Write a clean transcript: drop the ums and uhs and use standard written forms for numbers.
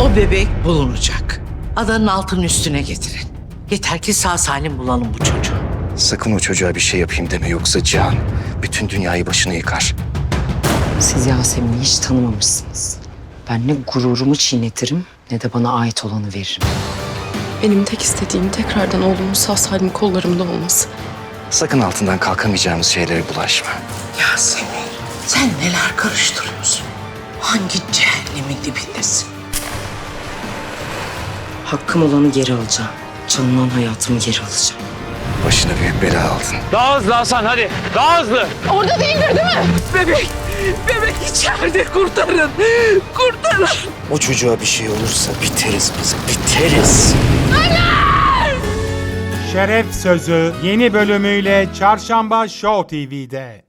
O bebek bulunacak. Adanın altının üstüne getirin. Yeter ki sağ salim bulalım bu çocuğu. Sakın o çocuğa bir şey yapayım deme, yoksa Cihan bütün dünyayı başına yıkar. Siz Yasemin'i hiç tanımamışsınız. Ben ne gururumu çiğnetirim ne de bana ait olanı veririm. Benim tek istediğim tekrardan oğlumun sağ salim kollarımda olması. Sakın altından kalkamayacağımız şeylere bulaşma. Yasemin, sen neler karıştırıyorsun? Hangi cehennemin dibindesin? Hakkım olanı geri alacağım. Çalınan hayatımı geri alacağım. Başına büyük bela aldın. Daha hızlı Hasan, hadi. Daha hızlı. Bebek içeride, kurtarın. Kurtarın. O çocuğa bir şey olursa biteriz biz, biteriz. Şeref Sözü yeni bölümüyle Çarşamba Show TV'de.